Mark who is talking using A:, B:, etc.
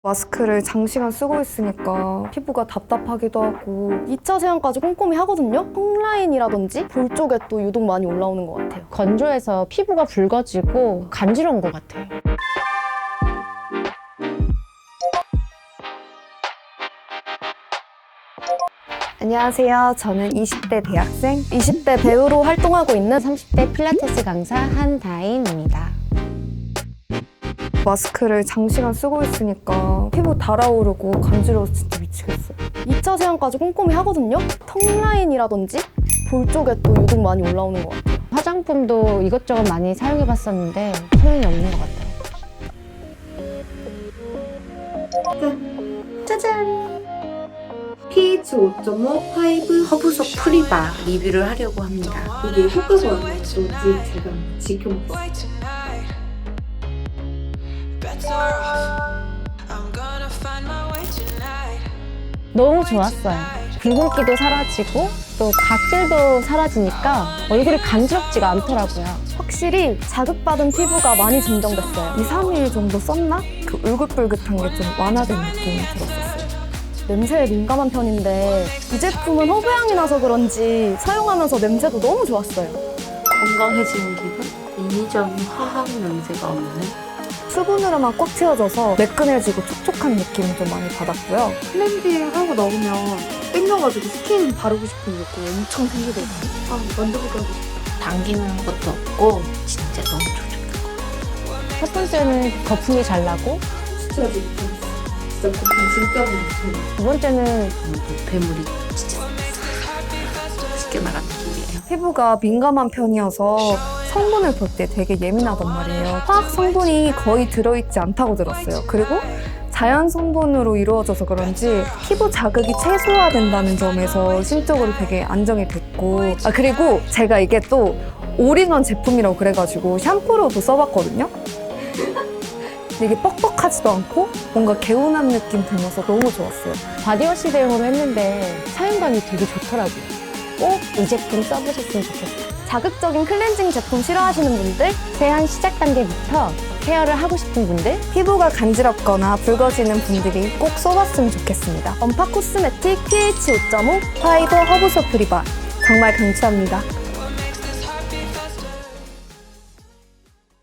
A: 마스크를 장시간 쓰고 있으니까 피부가 답답하기도 하고 2차 세안까지 꼼꼼히 하거든요? 턱라인이라든지 볼 쪽에 또 유독 많이 올라오는 것 같아요.
B: 건조해서 피부가 붉어지고 간지러운 것 같아요.
A: 안녕하세요. 저는 20대 대학생, 20대 배우로 활동하고 있는
B: 30대 필라테스 강사 한다인입니다.
A: 마스크를 장시간 쓰고 있으니까 피부 달아오르고 간지러워서 진짜 미치겠어요. 2차 세안까지 꼼꼼히 하거든요? 턱라인이라든지 볼 쪽에 또 유독 많이 올라오는 것 같아요.
B: 화장품도 이것저것 많이 사용해봤었는데 소용이 없는 것 같아요.
A: 짜잔! pH 5.5 파이브
C: 허브속 프리바 리뷰를 하려고 합니다.
D: 이게 효과가 얼마나 좋은지 제가 지켜보겠습니다.
B: 너무 좋았어요. 붉은기도 사라지고 또 각질도 사라지니까 얼굴이 간지럽지가 않더라고요.
A: 확실히 자극받은 피부가 많이 진정됐어요. 2, 3일 정도 썼나? 그 울긋불긋한 게 좀 완화된 느낌이 들었었어요. 냄새에 민감한 편인데 이 제품은 허브향이 나서 그런지 사용하면서 냄새도 너무 좋았어요.
C: 건강해지는 기분? 인위적인 화학 냄새가 없는?
A: 수분으로만 꽉 채워져서 매끈해지고 촉촉한 느낌을 좀 많이 받았고요.
D: 클렌징 하고 나오면 땡겨가지고 스킨 바르고 싶은 욕구 엄청 생기거든요. 만져보고 하고 싶다.
C: 당기는 것도 없고 진짜 너무 촉촉해.
B: 첫 번째는 거품이 잘 나고
D: 진짜 지금 진짜 거품 진짜 많죠.
B: 두 번째는
C: 노폐물이 진짜 씻겨나간 느낌이에요.
A: 피부가 민감한 편이어서 성분을 볼 때 되게 예민하단 말이에요. 화학 성분이 거의 들어있지 않다고 들었어요. 그리고 자연 성분으로 이루어져서 그런지 피부 자극이 최소화된다는 점에서 심적으로 되게 안정이 됐고, 그리고 제가 이게 또 올인원 제품이라고 그래가지고 샴푸로도 써봤거든요. 근데 이게 뻑뻑하지도 않고 뭔가 개운한 느낌 들면서 너무 좋았어요.
B: 바디워시 대용으로 했는데 사용감이 되게 좋더라고요. 꼭 이 제품 써보셨으면 좋겠어요.
A: 자극적인 클렌징 제품 싫어하시는 분들,
B: 세안 시작 단계부터 케어를 하고 싶은 분들,
A: 피부가 간지럽거나 붉어지는 분들이 꼭 써봤으면 좋겠습니다. 언파 코스메틱 pH 5.5 파이버 허브소 프리바 정말 강추합니다.